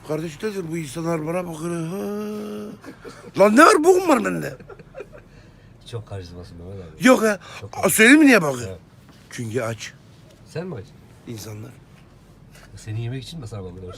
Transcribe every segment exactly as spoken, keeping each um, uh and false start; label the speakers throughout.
Speaker 1: Kardeş nedir bu insanlar bana bakıyor. Ha. Lan ne var bokum var bende.
Speaker 2: Çok karizmasın Mehmet abi.
Speaker 1: Yok ya.
Speaker 2: Çok
Speaker 1: A, söyleyeyim mi niye bakıyor?
Speaker 2: Evet.
Speaker 1: Çünkü aç
Speaker 2: Sen mi aç?
Speaker 1: insanlar.
Speaker 2: Seni yemek için mi sana bakıyorlar?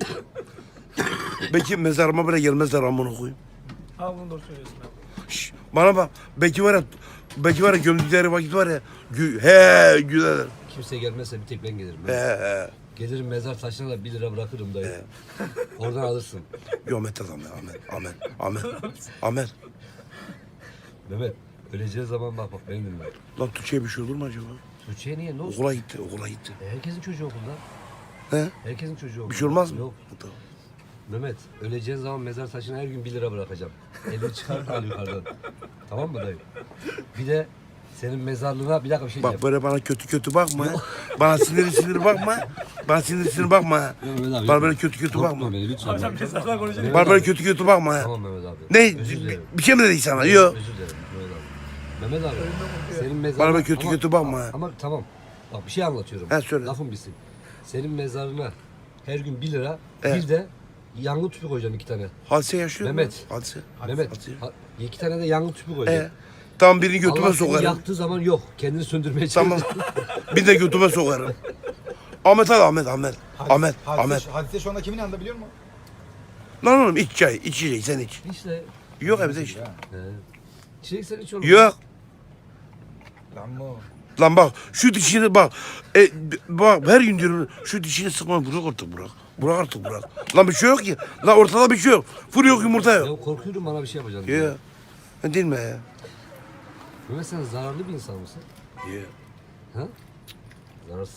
Speaker 1: Belki mezarıma bile gelmezler amına koyayım.
Speaker 3: Ha bunu doğru söylüyorsun abi.
Speaker 1: Şş, bana bak. Belki var ya. Belki var ya gömdükleri vakit var ya. Gü, he güler.
Speaker 2: Kimse gelmezse bir tek ben gelirim.
Speaker 1: He
Speaker 2: Ben.
Speaker 1: he.
Speaker 2: Gelirim mezar taşına da bir lira bırakırım dayı. Oradan alırsın.
Speaker 1: Yo Ahmet adam ya Ahmet. Ahmet. Ahmet. Ahmet.
Speaker 2: Mehmet öleceği zaman bak bak beni dinle.
Speaker 1: Lan Tuğçe'ye bir şey olur mu acaba?
Speaker 2: Tuğçe'ye niye? Ne olsun?
Speaker 1: Okula gitti. Okula gitti.
Speaker 2: E, herkesin çocuğu okulda.
Speaker 1: He?
Speaker 2: Herkesin çocuğu okulda.
Speaker 1: Bir şey olmaz mı?
Speaker 2: Yok.
Speaker 1: Tamam.
Speaker 2: Mehmet öleceğin zaman mezar taşına her gün bir lira bırakacağım. Elini çıkar al yukarıdan. Tamam mı dayı? Bir de senin mezarlığına bir dakika bir şey
Speaker 1: Bak
Speaker 2: diyeceğim.
Speaker 1: böyle bana kötü kötü bakma. ha. Bana sinirli sinirli bakma. Bana sinirli sinirli bakma. ha.
Speaker 2: Yok Mehmet abi,
Speaker 1: Bana
Speaker 2: yok.
Speaker 1: böyle kötü kötü
Speaker 2: Korkutma
Speaker 1: bakma.
Speaker 2: beni lütfen.
Speaker 3: Sen mezarlar konuşuyor.
Speaker 1: Bana böyle kötü kötü bakma. ha.
Speaker 2: Tamam Mehmet abi.
Speaker 1: Ne?
Speaker 2: Özür dilerim.
Speaker 1: Bir şey mi dedik sana? Yok.
Speaker 2: Özür dilerim Mehmet abi. Mehmet abi senin mezarına...
Speaker 1: Bana böyle kötü kötü bakma. ha.
Speaker 2: Ama tamam. Bak bir şey anlatıyorum.
Speaker 1: He, söyle.
Speaker 2: Lafın bitsin. Senin mezarına her gün bir lira
Speaker 1: Evet.
Speaker 2: bir de yangın tüpü koyacağım iki tane.
Speaker 1: Hadise yaşıyor mu?
Speaker 2: Mehmet.
Speaker 1: Hadise.
Speaker 2: Mehmet
Speaker 1: Hadise.
Speaker 2: ha- iki tane de yangın tüpü koyacağım.
Speaker 1: E, tamam birini götüme
Speaker 2: Allah seni
Speaker 1: sokarım.
Speaker 2: yaktığı zaman yok. Kendini söndürmeye
Speaker 1: Tamam.
Speaker 2: çalışıyor.
Speaker 1: Bir de götüme sokarım. Ahmet al Ahmet Ahmet. Ahmet
Speaker 4: hadise,
Speaker 1: Ahmet.
Speaker 4: Hadise şu anda kimin yanında biliyor musun?
Speaker 1: Lan oğlum iç çay. içecek sen iç.
Speaker 2: İşte.
Speaker 1: Yok evde iç.
Speaker 4: Ya.
Speaker 2: He. Çilek sen hiç olmaz.
Speaker 1: Yok.
Speaker 4: Lan bu.
Speaker 1: Lan bak şu dişini bak. E, b- bak her gün diyorum şu dişini sıkma bırak artık bırak. Bırak artık bırak. Lan bir şey yok ki. Lan ortada bir şey yok. Fır yok yumurta yok.
Speaker 2: Ya korkuyorum bana bir şey yapacaksın. diye.
Speaker 1: Ya. Ya. Değil mi ya?
Speaker 2: Mehmet sen zararlı bir insan mısın?
Speaker 1: Ya.
Speaker 2: Ha? Zararsız.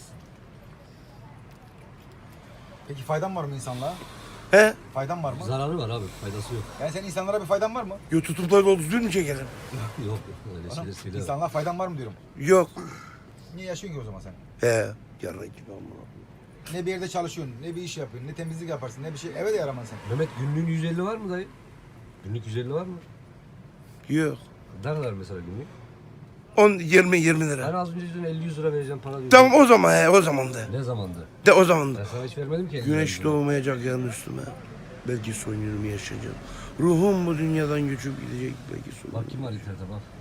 Speaker 4: Peki faydan var mı insanlığa?
Speaker 1: He?
Speaker 4: Faydan var mı?
Speaker 2: Zararı var abi. Faydası yok.
Speaker 4: Yani senin insanlara bir faydan var mı?
Speaker 1: Yo tutup da doldu düzgün mü çekelim?
Speaker 2: yok yok. Öyle
Speaker 4: Bana,
Speaker 2: şeyler söyleme.
Speaker 4: insanlığa faydan var mı diyorum.
Speaker 1: Yok.
Speaker 4: Niye yaşıyorsun ki o zaman sen?
Speaker 1: He. Yarın gibi ama.
Speaker 4: Ne bir yerde çalışıyorsun, ne bir iş yapıyorsun, ne temizlik yaparsın, ne bir şey. Eve de yaramaz sen.
Speaker 2: Mehmet günlüğün yüz elli var mı dayı? Günlük yüz elli var mı?
Speaker 1: Yok.
Speaker 2: Ne kadar mesela günlük?
Speaker 1: on yirmi yirmi
Speaker 2: Ben
Speaker 1: lira.
Speaker 2: az önce diyordun elli yüz lira vereceğim para diyordun.
Speaker 1: Tamam o zaman he o zaman da.
Speaker 2: Ne zamandı?
Speaker 1: De o zaman da.
Speaker 2: Ben sana hiç vermedim ki. elli
Speaker 1: Güneş
Speaker 2: lira.
Speaker 1: doğmayacak yarın üstüme. Belki son yılımı yaşayacağım. Ruhum bu dünyadan göçüp gidecek belki son.
Speaker 2: Bak kim var internete bak.